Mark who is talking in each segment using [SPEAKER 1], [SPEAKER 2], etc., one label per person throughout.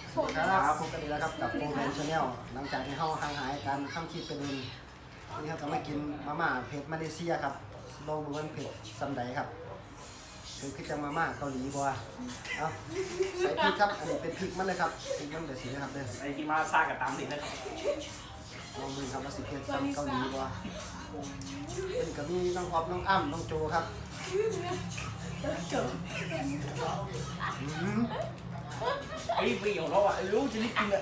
[SPEAKER 1] สวัสดีครับพบกันอีกแล้วครับกับโฟร์แมนชาแนลหลังจากที่เฮาห่างหายการทำคลิปเป็นวันนี้ครับก็มากินมาม่าเผ็ดมาเลเซียครับลองดูว่าเผ็ดซัมไดครับคือจะมาม่าเกาหลีบัวเอาใส่พริกครับอันนี้เป็นพริกมันเลยครับพริกมันเดือดสีนะครับเด้อ
[SPEAKER 2] ไอ้ที่มาซากับตามสินะครับ
[SPEAKER 1] ลองดูครับว่าสิเผ็ดซัมเกาหลีบัวเป็นกับมีน้องออฟน้องอ้ำน้องโจครับ
[SPEAKER 2] ไอ้ปีของเราอ่ะรู้จะได้กินอ่ะ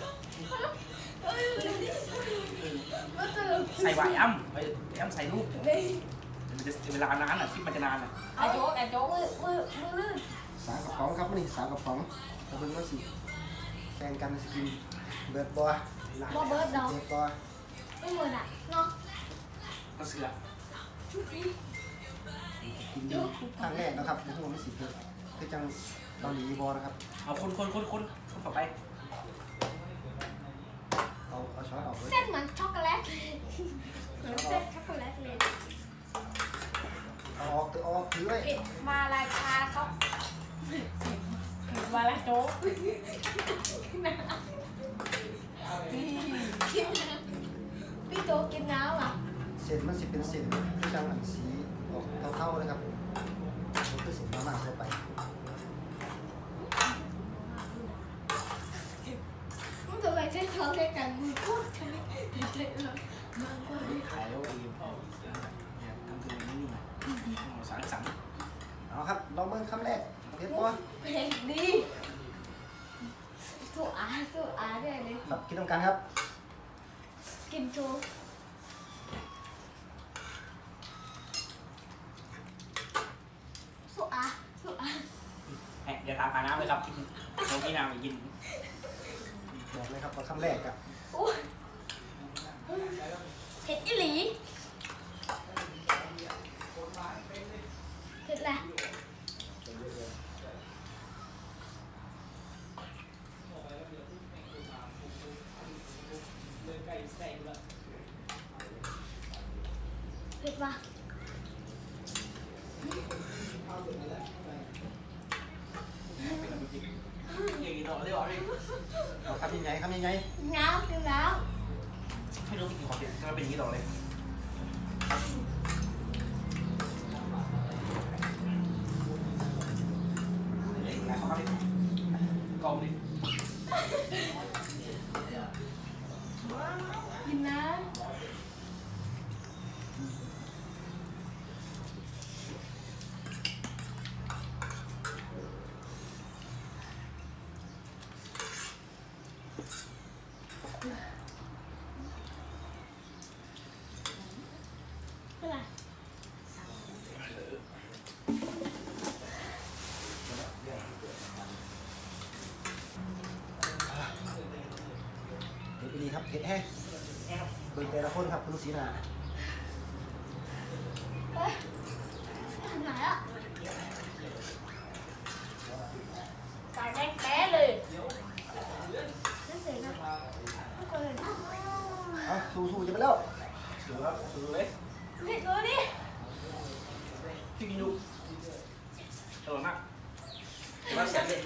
[SPEAKER 2] ใส่ไหวอ้ำใส่ลูกมันจะเวลานานอ่ะคลิปมันจะนานอ่ะ
[SPEAKER 3] ไอ้โจ๊กมือลื่น
[SPEAKER 1] สามกระป๋องครับนี่สามกระป๋องกระเบื้องว่าสิแข่งกันสกินเบิร์ดบัว
[SPEAKER 3] บ่เบิร์ดเนาะ
[SPEAKER 1] เบิร์ดบัว
[SPEAKER 3] ไม่เหมือนอ่ะเนาะ
[SPEAKER 2] ก็เสือ
[SPEAKER 1] กินดีครั้งแรกนะครับในหัวไม่สิเผ็ดคือจังเกาหลีบัวนะครับ
[SPEAKER 2] เอาคนต่อไป
[SPEAKER 1] เอาช้อนออกเลย
[SPEAKER 3] เส้นเหมือนช็อกโกแลตเหมือนเส้นช็อกโกแลตเลย
[SPEAKER 1] เอาออกถือไว้
[SPEAKER 3] เผ็ดมาลายชาเขาเผ็ดมาลายโจ๊กพี่โจ๊กกินน้ำอ่ะ
[SPEAKER 1] เส้นมันสิเป็นเส้นคือจังอันสีออกเท่าๆเลยครับมันคือเส้นมาม่าทั่วไป
[SPEAKER 3] มันทำไมใช้ช้อนใช้กันมือพูดกันเด็ดๆเลยมากกว่า
[SPEAKER 2] ขายแล้วเองทำตัวนี้สารสัง
[SPEAKER 1] เอาครับลองเบิ่งคำแรกเผ็ดบัว
[SPEAKER 3] เผ็ดดีสู้อาได้เลย
[SPEAKER 1] ครับกินต้องกันครับ
[SPEAKER 3] กินโจ๊กสู้อา
[SPEAKER 2] อย่าตามหาน้ำเลยครับเรากินน้ำไม่กิน
[SPEAKER 1] บอกเลยครับว่าคำแรกอะ
[SPEAKER 3] อุ้ยเผ็ดอีหลีเผ็ดอะไรเผ็ดปะ
[SPEAKER 2] อย่างนี้ต่อได้หรอพี่
[SPEAKER 1] เอาคำยังไงคำยังไง
[SPEAKER 3] น้ำกินน้
[SPEAKER 2] ไม่รู้กินของเด็ดก็เป็นอย่างนี้ต่อเลยไหนเขาดิกองดิ
[SPEAKER 3] ำกินน้ำเป็นไร
[SPEAKER 1] เผ็ดดีครับเผ็ดแห้งเบิ่งแต่ละคนครับคุณลูกศรีนา
[SPEAKER 3] เอ้ยทำไหนอ่ะตายแดงแป๊ะเลยนั่นเสียงนะไม่เคยเห็น
[SPEAKER 1] เอาสู้ๆจะไปแล้ว
[SPEAKER 2] ดูครับดูเลย
[SPEAKER 3] เผ็ดเลยดิ
[SPEAKER 2] พี่กินดูอร่อยมากมาเสียเลย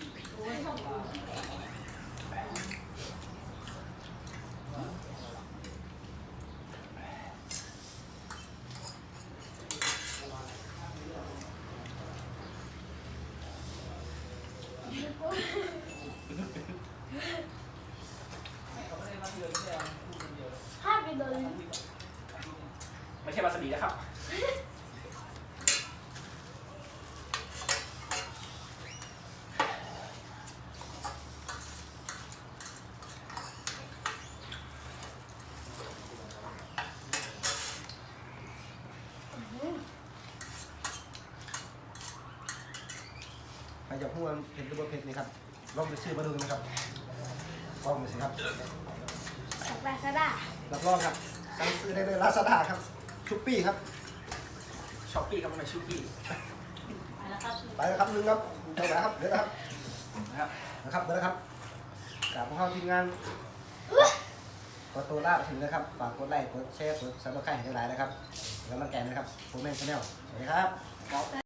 [SPEAKER 3] ห้ามกินเลย
[SPEAKER 2] ไม่ใช่วาซาบินะครับ
[SPEAKER 1] ใครอยากพูดว่าเผ็ดหรือว่าเผ็ดนี่ครับลองไปซื้อมาดูนะครับลองไปสิครับ
[SPEAKER 3] สักแบซาด้า
[SPEAKER 1] รับรองครับสั่งซื้อได้เลยลาซาด้าครับชุปปี้ครับ
[SPEAKER 2] ช็อปปี้ครับไม่ชูปี้
[SPEAKER 3] ไปแล้วครับ
[SPEAKER 1] ไปแล้วครับนึงครับไปแล้วครับเดี๋ยวนะครับ
[SPEAKER 2] นะครับ
[SPEAKER 1] นะครับเดี๋ยวนะครับกลับมาเข้าทีมงานกดตัวลาไปถึงนะครับฝากกดไลค์กดแชร์กดซับสไครต์ให้ได้หลายนะครับแล้วมาแกนนะครับผมแมนชาแนลสวัสดีครับ